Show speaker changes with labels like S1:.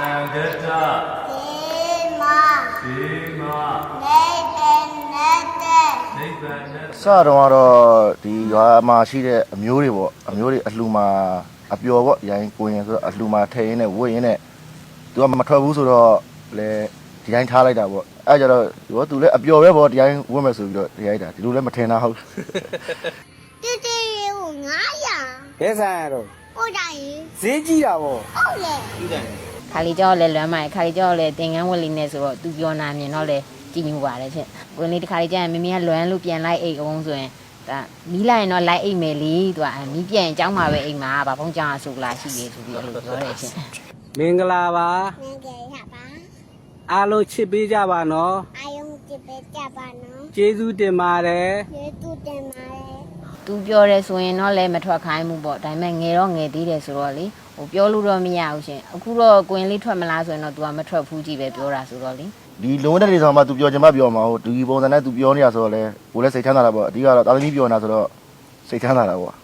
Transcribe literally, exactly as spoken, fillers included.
S1: Sangata.
S2: Sima.
S1: Sima.
S2: Nete.
S1: Nibbana.
S3: စတော့ကတော့ဒီရွာမှာရှိတဲ့အမျိုးတွေပေါ့အမျိုးတွေအလှမှာအပျော်ပေါ့ရိုင်းကိုရင်ဆိုတော့အလှမှာထဲရင်းနဲ့ဝတ်ရင်းနဲ့သူကမထွက်ဘူးဆိုတော့လေဒီတိုင်းထားလိုက်တာပေါ့အဲကြတော့ရောသူလည်းအပျော်ပဲပေါ့ဒီတိုင်းဝတ်မယ်ဆိုပြီးတော့ဒီရိုက်တာဒီလိုလည်းမထင်တာဟုတ်
S2: Tete yu ngaya.
S4: ဘယ်ဆိုင်ရတော့
S2: Odai.
S4: ဈေးကြီးတာဗော
S2: Ole.
S4: ကြီးတယ်
S5: ခါလီကျော်လည်းလွမ်းမိုက်ခါလီကျော်လည်းတင်ကန်းဝက်လေးနဲ့ဆိုတော့သူပြောနာမြင်တော့လေကြည်ညိုပါတယ်ချင်းကိုလေးတစ်ခါလေးကျရင်မမီကလွမ်းလို့ပြန်လိုက်အိတ်အောင်ဆိုရင်ဒါမီးလိုက်ရင်တော့လိုက်အိတ်မယ်လေသူကမီးပြန်အကြောင်းမှာပဲအိတ်မှာဗာဖုံးကြောင်ဆိုလာရှိရေဆိုပြီးအဲ့လိုပြောတယ်ချင်း
S4: မင်္ဂလာပါ
S2: Nenge yaba.
S4: အားလုံးချစ်ပေးကြပါနော်
S2: Ayong tipe jaba no.
S4: ကျေးဇူးတင်ပါတယ်
S2: Ye tu temare.
S5: သူပြောတယ်ဆိုရင်တော့လည်းမထွက်ခိုင်းဘူးပေါ့ဒါပေမဲ့ငယ်တော့ငယ်သေးတယ်ဆိုတော့လေဟိုပြောလို့တော့မရဘူးရှင်အခုတော့ကိုရင်လေးထွက်မလားဆိုရင်တော့ तू ကမထွက်ဘူးကြည့်ပဲပြောတာဆိုတော့လေ
S3: ဒီလုံးဝတဲ့နေဆောင်မှာသူပြောချင်မှပြောမှာဟုတ်ဒီပုံစံနဲ့သူပြောနေရဆိုတော့လေကိုလည်းစိတ်ချမ်းသာတာပေါ့အဓိကတော့တာသမီပြောနေတာဆိုတော့စိတ်ချမ်းသာတာပေါ့